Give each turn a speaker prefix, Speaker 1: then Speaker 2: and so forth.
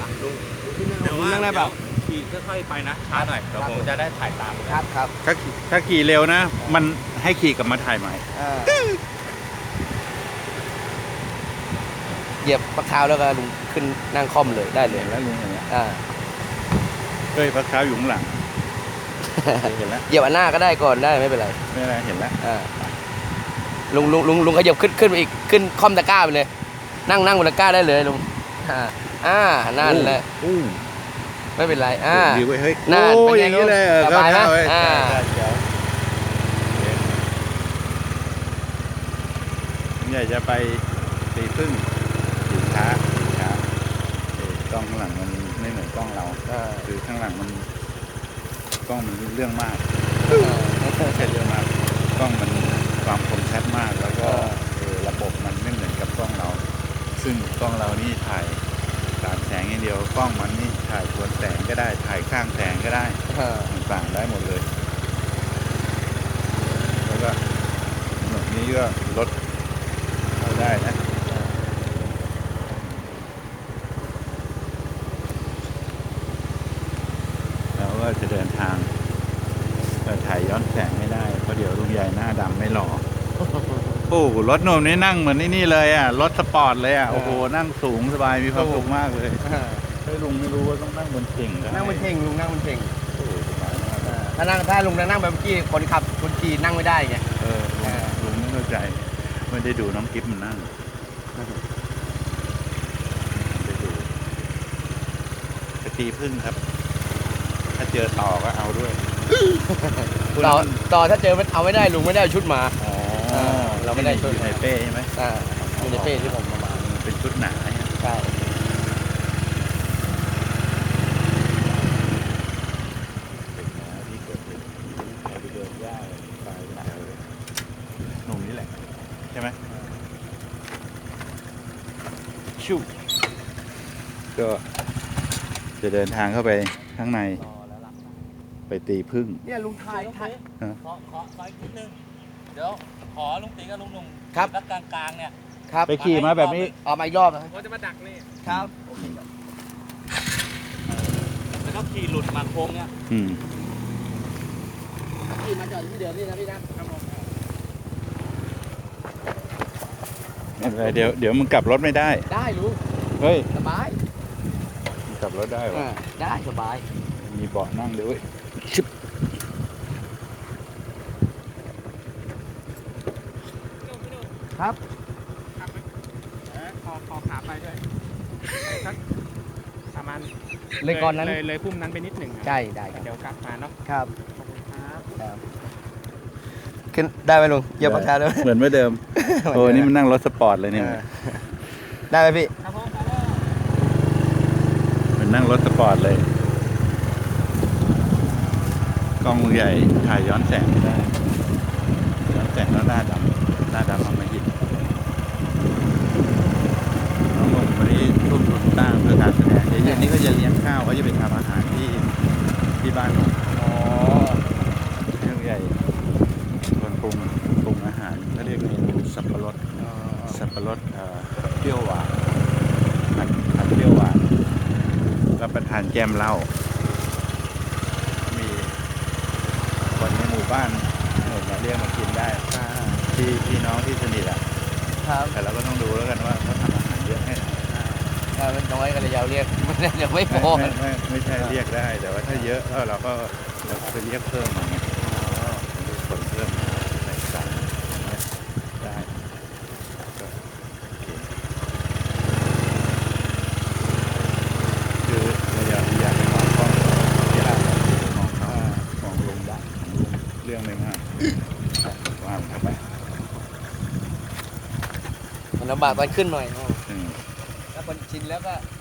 Speaker 1: ลุง
Speaker 2: เดี๋ยว
Speaker 1: นั่งได้เปล่า
Speaker 2: ขี่ค่อยๆไปนะช้าหน่อยเดี๋ยวผมจะได้ถ่ายตาม
Speaker 1: ครับครับ
Speaker 3: ถ้าขี่เร็วนะ มันให้ขี่กลับมาถ่ายใหม่
Speaker 1: เหยียบปลาคาวแล้วก็ลุงขึ้นนั่งค่อมเลยได้เลย
Speaker 3: เห็นแล้วลุงเห็นแล้ว
Speaker 1: อ่า
Speaker 3: เฮ้ยพระเท้าอยู่ข้างหลังเห็นแล้ว
Speaker 1: เหยียบอันหน้าก็ได้ก่อนได้ไม่เป็นไร
Speaker 3: ไม่เป็นไรเห็นแล้ว
Speaker 1: อ่าลุงขยับขึ้นไปอีกขึ้นค่อมตะกร้าไปเลย นั่งบนตะกร้าได้เลยลุงนั่นแหละ
Speaker 3: อู้
Speaker 1: ไม่เป็นไร
Speaker 3: ดีเว้ยเฮ้ย
Speaker 1: นั่น
Speaker 3: โอ้
Speaker 1: เป็น
Speaker 3: อ
Speaker 1: ไง
Speaker 3: ย่างนี้เลย
Speaker 1: สบายไหม
Speaker 3: เข้เว้
Speaker 1: อ่า
Speaker 3: ใช่ผมอยากจะไปตีพึ่งตีช้ากล้องข้างหลังมันไม่เหมือนกล้องเราคือข้างหลังมันกล้องมันเรื่องมากไม่ใช่เรื่องมากกล้องมันความคมชัดมากแล้วก็ระบบมันไม่เหมือนกับกล้องเรา ซึ่งกล้องเรานี่ถ่ายตามแสงอย่างเดียวกล้องมันนี่ถ่ายสวนแสงก็ได้ถ่ายข้างแสงก็ได้ต่างๆได้หมดเลย แล้วก็ถนนนี้ก็รถเข้าได้นะแล้วก็จะเดินทางถ่ายย้อนแสงไม่ได้เพราะเดี๋ยวลุงใหญ่หน้าดำไม่หล่อโอ้รถหนุ่มนี่นั่งเหมือนนี่เลยอ่ะรถสปอร์ตเลยอ่ะโอ้โหนั่งสูงสบายมีความสุขมากเลยถ้าลุงไม่รู้ว่าต้องนั่งบนเข่งได้
Speaker 1: นั่งบนเข่งลุงนั่งบนเข่ง
Speaker 3: โอ้สบายมาก
Speaker 1: ถ้าลุงนั่งแบบเมื่อกี้คนขับคนขี่นั่งไม่ได้ไง
Speaker 3: ลุงไม่เข้าใจไม่ได้ดูน้องกิ๊บมันนั่งไปดูไปตีพึ่งครับ ถ้าเจอต่อก็เอาด้วย
Speaker 1: ต่อถ้าเจอมันเอาไม่ได้ลุงไม่ได้ชุดมา
Speaker 3: อ๋อ
Speaker 1: เราไม่ได้ชุด
Speaker 3: อยู่ในเป้ใช่ไหม
Speaker 1: มีในเป้ที่ผมมา
Speaker 3: เป็นชุดหนาเนี่ย
Speaker 1: ใช่
Speaker 3: เป็นหนาที่เกิดเป็นไปเดินย่ายไปแถวหนุ่มนี่แหละใช่ไหมชิวก็จะเดินทางเข้าไปข้างในไปตีพึ่ง
Speaker 1: เนี่ยลุงถ่าย
Speaker 2: ขออีกนิดนึงเดี๋ยวขอลุงตีกับลุงหนุ่ม
Speaker 1: ครับ
Speaker 2: แล้วกลางๆเนี่ย
Speaker 1: ครับ
Speaker 3: ไปขี่มาแบบนี้
Speaker 1: เอามาอีกรอบนะ
Speaker 2: เขาจะมาดักนี่
Speaker 1: ครับ
Speaker 2: แล้วก็ขี่หลุดมาโค้งเนี่ย
Speaker 1: ขี่มาจอดที่เดิมนี่นะพี่นะ
Speaker 3: ไม่เป็นไรเดี๋ยวมึงกลับรถไม่ได้
Speaker 1: ได้ลุง
Speaker 3: เฮ้ย
Speaker 1: สบาย
Speaker 3: มึงกลับรถได้เหรอ
Speaker 1: ได้สบาย
Speaker 3: มีเบาะนั่งด้วย
Speaker 1: ครับ
Speaker 4: ขอขาไปด้วยสักประมาณ
Speaker 1: เลยก่อนนั้น
Speaker 4: เลยพุ่มนั้นไปนิดหนึ่งอะ
Speaker 1: ใช่ได้ครับ
Speaker 4: เดี๋ยวกลับมาเนาะ
Speaker 1: ครับ
Speaker 4: ขอบคุณครับ
Speaker 1: ขึ้นได้ไหมลุงเหยียบปากกาด้วย
Speaker 3: เหมือนเมื่อเดิม โอ้นี่มันนั่งรถสปอร์ตเลยเนี่ย
Speaker 1: ได้ไหมพี่
Speaker 4: ครับผม
Speaker 3: เหมือนนั่งรถสปอร์ตเลย กล้องใหญ่ถ่ายย้อนแสงไม่ได้ ย้อนแสงแล้วหน้าดำเอามาหิดน้องหนุ่มวันนี้ทุ่มทุนสร้างเพื่อการแสดงเดี๋ยวเย็นนี้ก็จะเลี้ยงข้าวเขาจะไปทำอาหารที่บ้านผม
Speaker 1: อ๋อ
Speaker 3: เรื่องใหญ่คนปรุงอาหารเขาเรียกเมนูสับปะรดเปรี้ยวหวานผัดเปรี้ยวหวานรับประทานแก้มเหล้ามีคนในหมู่บ้านมาเรียกมากินได้ที่พี่น้องที่สนิทอ่ะ
Speaker 1: ครับ
Speaker 3: แต่เราก็ต้องดูแล้วกันว่าเขาทำอาหารเยอะให้ไหน
Speaker 1: ถ้ามันน้อยก็เลยยาวเรียกไม่ได้เดี๋ยวไม่พอ
Speaker 3: ไม่ใช่เรียกได้ แต่ว่าถ้าเยอะเราก็ไปเรียกเพิ่มอย่างเงี้ยคนเพิ่มใส่สั่งได้ก็โอเคคือเราอยากไปมองกล้องอยากมองเขามองลงได้เรื่องหนึ่งฮะว่ามันเข้าไป
Speaker 1: มันลำบากตอนขึ้นหน่อย
Speaker 3: อืม
Speaker 1: ถ้าคนชินแล้วก็